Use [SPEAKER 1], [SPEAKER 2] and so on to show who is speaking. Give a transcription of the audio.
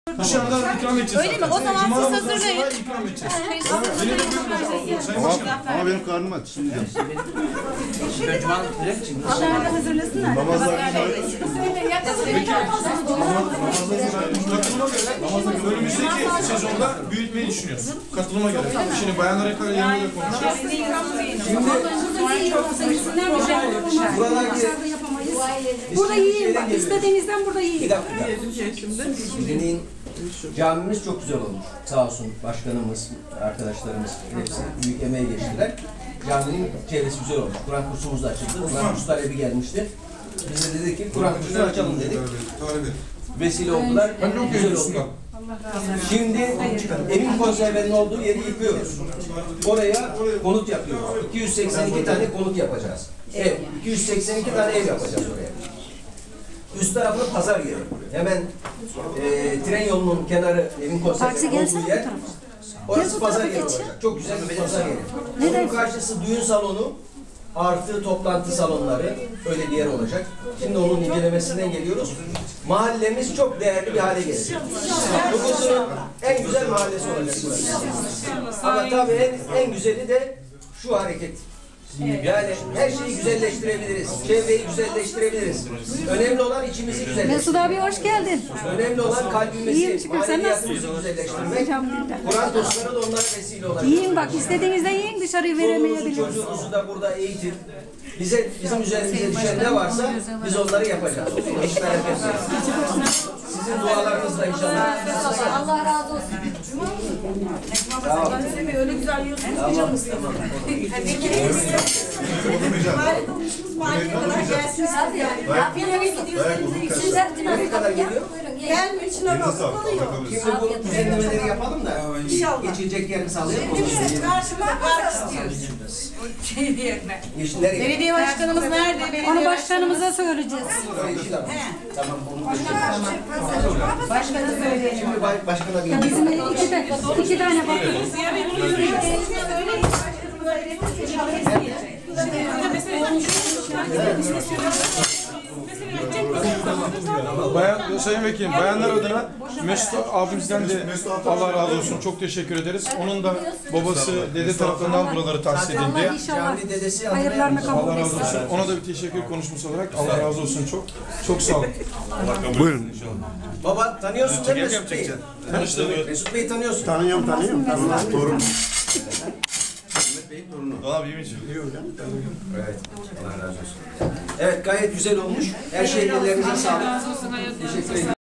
[SPEAKER 1] Dışarıdan ikram edeceğiz.
[SPEAKER 2] Öyle mi? O zaman siz hazırlayın.
[SPEAKER 1] İkram edeceğiz.
[SPEAKER 3] Ama benim karnım aç. Şimdi
[SPEAKER 2] Allah'a da hazırlasınlar.
[SPEAKER 1] Önümüzdeki sezonda büyütmeyi düşünüyoruz. Katılıma göre. Şimdi bayanlara yanında da konuşuyoruz.
[SPEAKER 4] Burada yiyin bak. İstediğinizden burada yiyin.
[SPEAKER 5] Bir dakika. Şimdi camimiz çok güzel olmuş. Sağ olsun başkanımız, arkadaşlarımız hepsi büyük emeği geçtiler. Caminin çevresi güzel olmuş. Kur'an kursumuz da açıldı. Kur'an kursu talebi gelmişti. Biz de dedik ki Kur'an kursunu açalım dedik. Vesile oldular. Güzel oldu. Şimdi evin konservenin olduğu yeri yıkıyoruz. Oraya konut yapıyoruz. 282 tane konut yapacağız. Ev. 282 tane ev yapacağız oraya. Üst tarafı pazar yeri. Hemen tren yolunun kenarı evin konservenin olduğu yer. Orası pazar yeri olacak. Çok güzel bir pazar yeri. Bunun karşısı düğün salonu artı toplantı salonları, öyle bir yer olacak. Şimdi onun incelemesinden geliyoruz. Mahallemiz çok değerli bir hale gelecek. Bugüsünün en güzel mahallesi olacak burası. Ama tabii en güzeli de şu hareket. Yani her şeyi güzelleştirebiliriz. Çevreyi güzelleştirebiliriz. Önemli olan içimizi güzelleştirmek.
[SPEAKER 4] Mesut abi hoş geldin.
[SPEAKER 5] Önemli olan kalbimizi, maneviyatımızı güzelleştirmek. Kur'an kursları da onlara vesile olacak.
[SPEAKER 4] Yiyin bak. İstediğinizde yiyin, dışarıyı veremeyebiliriz.
[SPEAKER 5] Çocuğunuzu da burada eğitin. Bizim üzerimize düşen ne varsa biz onları yapacağız. Hiç merak etmeyin. Sizin dualarınızla inşallah.
[SPEAKER 2] Allah razı olsun.
[SPEAKER 5] Tamam.
[SPEAKER 2] Öyle güzel yiyorsunuz ki canımız yanıyor. Mahalleye kadar gelsin.
[SPEAKER 5] Ne kadar geliyor?
[SPEAKER 2] Gelmiyor içine bakıp kalıyor.
[SPEAKER 5] Şimdi bu düzenlemeleri yapalım da geçilecek yerini sağlayalım.
[SPEAKER 2] Karşıma park istiyoruz.
[SPEAKER 5] Nereye?
[SPEAKER 2] Belediye başkanımız nerede?
[SPEAKER 4] Onu başkanımıza söyleyeceğiz.
[SPEAKER 5] Tamam.
[SPEAKER 2] Başkanı söyleyelim.
[SPEAKER 5] Şimdi başkana bir
[SPEAKER 4] Bizim iki tane bakıyoruz.
[SPEAKER 1] Sayın Vekilim, bayanlar adına Mesut abimizden de Allah razı olsun. Çok teşekkür ederiz. Onun da babası, dede tarafından buraları tahsis edildi.
[SPEAKER 4] İnşallah
[SPEAKER 5] dedesi
[SPEAKER 4] hayırlarını kabul
[SPEAKER 1] Allah razı
[SPEAKER 4] etsin.
[SPEAKER 1] olsun. Ona da bir teşekkür konuşması olarak Allah razı olsun çok. Çok sağ olun.
[SPEAKER 3] buyurun.
[SPEAKER 5] Baba tanıyorsun değil mi Mesut Bey'i?
[SPEAKER 1] Tanıştırdım.
[SPEAKER 5] Mesut Bey'i tanıyorsun.
[SPEAKER 3] Tanıyorum. Torun.
[SPEAKER 1] Abi iyi misin?
[SPEAKER 5] Evet. Allah razı olsun. Evet gayet güzel olmuş. Her şey ellerinize sağlık. Teşekkür ederim.